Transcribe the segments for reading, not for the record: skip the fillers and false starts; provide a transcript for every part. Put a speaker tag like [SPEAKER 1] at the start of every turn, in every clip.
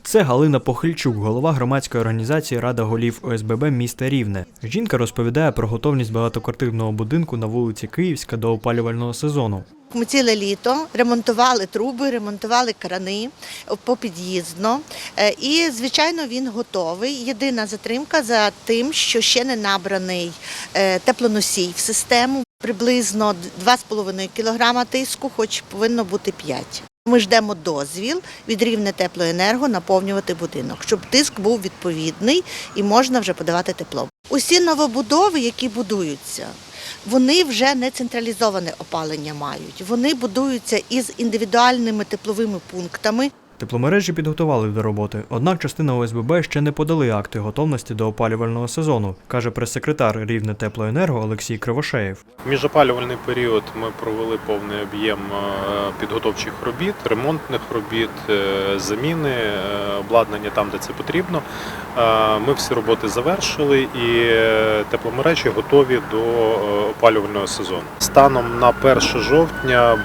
[SPEAKER 1] Це Галина Похильчук, голова громадської організації «Рада голів ОСББ міста Рівне». Жінка розповідає про готовність багатоквартирного будинку на вулиці Київська до опалювального сезону.
[SPEAKER 2] Ми ціле літо ремонтували труби, ремонтували крани попід'їздно і, звичайно, він готовий. Єдина затримка за тим, що ще не набраний теплоносій в систему. Приблизно 2,5 кг тиску, хоч повинно бути 5. Ми ждемо дозвіл від Рівнетеплоенерго наповнювати будинок, щоб тиск був відповідний і можна вже подавати тепло. Усі новобудови, які будуються, вони вже не централізоване опалення мають. Вони будуються із індивідуальними тепловими пунктами.
[SPEAKER 1] Тепломережі підготували до роботи, однак частина ОСББ ще не подали акти готовності до опалювального сезону, каже прес-секретар Рівнетеплоенерго Олексій Кривошеєв.
[SPEAKER 3] В міжопалювальний період ми провели повний об'єм підготовчих робіт, ремонтних робіт, заміни, обладнання там, де це потрібно. Ми всі роботи завершили і тепломережі готові до опалювального сезону. Станом на 1 жовтня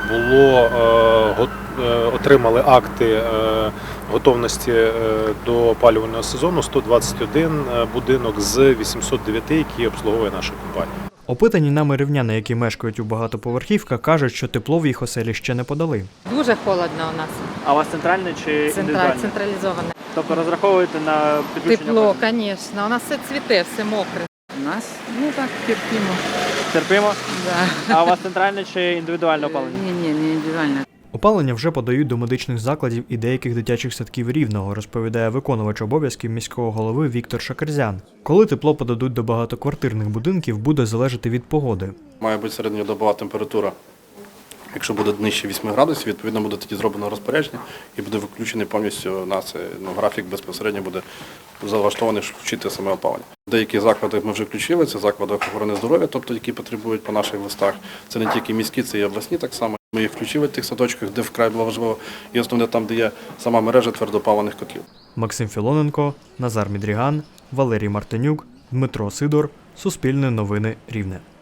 [SPEAKER 3] отримали акти готовності до опалювального сезону 121 будинок з 809, які обслуговує наша компанія.
[SPEAKER 1] Опитані нами рівняни, які мешкають у багатоповерхівках, кажуть, що тепло в їх оселі ще не подали.
[SPEAKER 4] Дуже холодно у нас.
[SPEAKER 5] А у вас центральне чи індивідуальне?
[SPEAKER 4] Централізоване.
[SPEAKER 5] Тобто розраховуєте на підключення?
[SPEAKER 4] Тепло, звісно. У нас все цвіте, все мокре. У нас, так, терпимо.
[SPEAKER 5] Терпимо?
[SPEAKER 4] Да.
[SPEAKER 5] А у вас центральне чи індивідуальне опалення?
[SPEAKER 4] Ні, не індивідуальне.
[SPEAKER 1] Опалення вже подають до медичних закладів і деяких дитячих садків Рівного, розповідає виконувач обов'язків міського голови Віктор Шакерзян. Коли тепло подадуть до багатоквартирних будинків, буде залежати від погоди.
[SPEAKER 6] Має бути середньодобова температура. Якщо буде нижче 8 градусів, відповідно буде тоді зроблено розпорядження і буде виключений повністю нас графік безпосередньо буде залаштований, щоб вчити саме опалення. Деякі заклади ми вже включили, це заклади охорони здоров'я, тобто які потребують по наших листах. Це не тільки міські, це і обласні так само. Ми їх включили в тих садочках, де вкрай було важливо, і основне там, де є сама мережа твердопаливних котлів.
[SPEAKER 1] Максим Філоненко, Назар Мідріган, Валерій Мартинюк, Дмитро Сидор. Суспільне новини Рівне.